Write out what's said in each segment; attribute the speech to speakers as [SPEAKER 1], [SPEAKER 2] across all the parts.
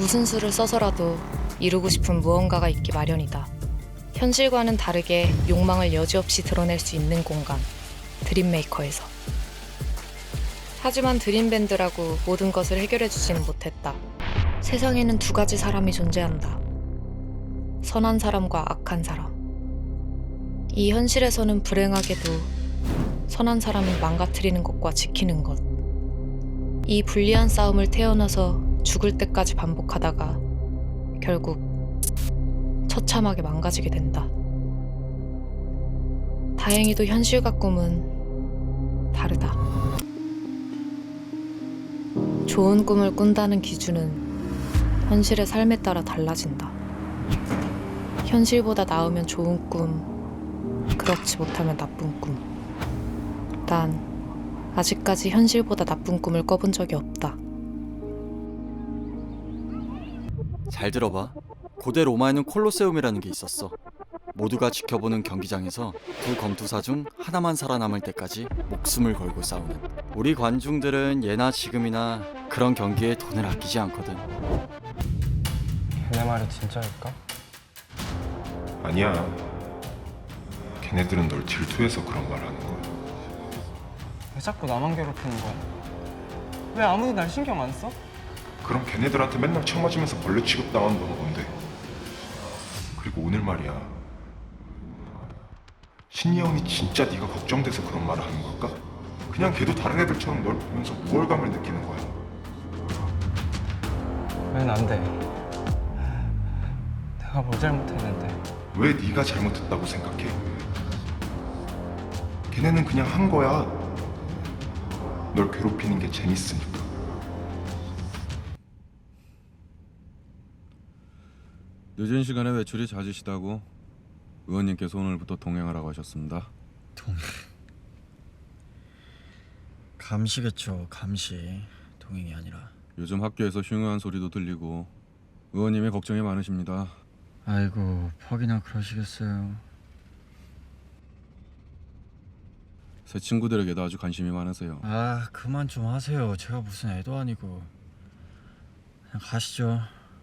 [SPEAKER 1] 무슨 수를 써서라도 이루고 싶은 무언가가 있기 마련이다. 현실과는 다르게 욕망을 여지없이 드러낼 수 있는 공간, 드림메이커에서. 하지만 드림밴드라고 모든 것을 해결해주지는 못했다. 세상에는 두 가지 사람이 존재한다. 선한 사람과 악한 사람. 이 현실에서는 불행하게도 선한 사람이 망가뜨리는 것과 지키는 것. 이 불리한 싸움을 태어나서 죽을 때까지 반복하다가 결국 처참하게 망가지게 된다. 다행히도 현실과 꿈은 다르다. 좋은 꿈을 꾼다는 기준은 현실의 삶에 따라 달라진다. 현실보다 나으면 좋은 꿈, 그렇지 못하면 나쁜 꿈. 난 아직까지 현실보다 나쁜 꿈을 꿔본 적이 없다.
[SPEAKER 2] 잘 들어봐. 고대 로마에는 콜로세움이라는 게 있었어. 모두가 지켜보는 경기장에서 두 검투사 중 하나만 살아남을 때까지 목숨을 걸고 싸우는. 우리 관중들은 예나 지금이나 그런 경기에 돈을 아끼지 않거든.
[SPEAKER 3] 걔네 말이 진짜일까?
[SPEAKER 4] 아니야. 걔네들은 널 질투해서 그런 말 하는 거야.
[SPEAKER 3] 왜 자꾸 나만 괴롭히는 거야? 왜 아무도 날 신경 안 써?
[SPEAKER 4] 그럼 걔네들한테 맨날 쳐맞으면서 벌레 취급당하는 넌 뭔데? 그리고 오늘 말이야. 신이 형이 진짜 네가 걱정돼서 그런 말을 하는 걸까? 그냥 걔도 다른 애들처럼 널 보면서 우월감을 느끼는 거야.
[SPEAKER 3] 왜 안 돼? 내가 뭘 잘못했는데?
[SPEAKER 4] 왜 네가 잘못했다고 생각해? 걔네는 그냥 한 거야. 널 괴롭히는 게 재밌으니까.
[SPEAKER 5] 늦은 시간에 외출이 잦으시다고 의원님께서 오늘부터 동행하라고 하셨습니다.
[SPEAKER 6] 감시겠죠. 감시. 동행이 아니라.
[SPEAKER 5] 요즘 학교에서 흉흉한 소리도 들리고 의원님이 걱정이 많으십니다.
[SPEAKER 6] 아이고, 퍽이나 그러시겠어요.
[SPEAKER 5] 새 친구들에게도 아주 관심이 많으세요.
[SPEAKER 6] 아, 그만 좀 하세요. 제가 무슨 애도 아니고. 그냥 가시죠.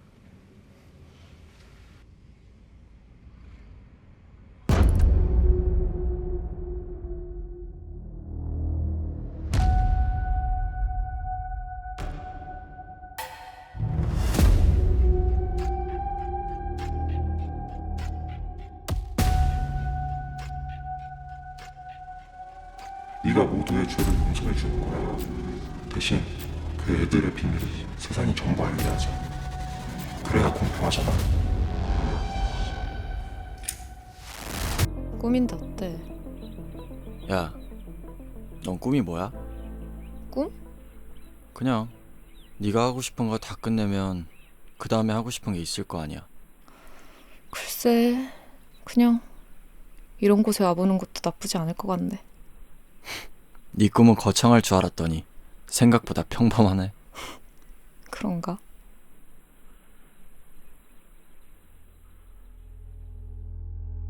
[SPEAKER 4] 네가 모두의 죄를 용서해 주는 거야. 대신 그 애들의 비밀을 세상이 전부 알게 하자. 그래야 공평하잖아.
[SPEAKER 1] 꿈인데 어때?
[SPEAKER 2] 야, 넌 꿈이 뭐야?
[SPEAKER 1] 꿈?
[SPEAKER 2] 그냥 네가 하고 싶은 거 다 끝내면 그 다음에 하고 싶은 게 있을 거 아니야.
[SPEAKER 1] 글쎄, 그냥 이런 곳에 와보는 것도 나쁘지 않을 것 같네.
[SPEAKER 2] 네 꿈은 거창할 줄 알았더니 생각보다 평범하네.
[SPEAKER 1] 그런가?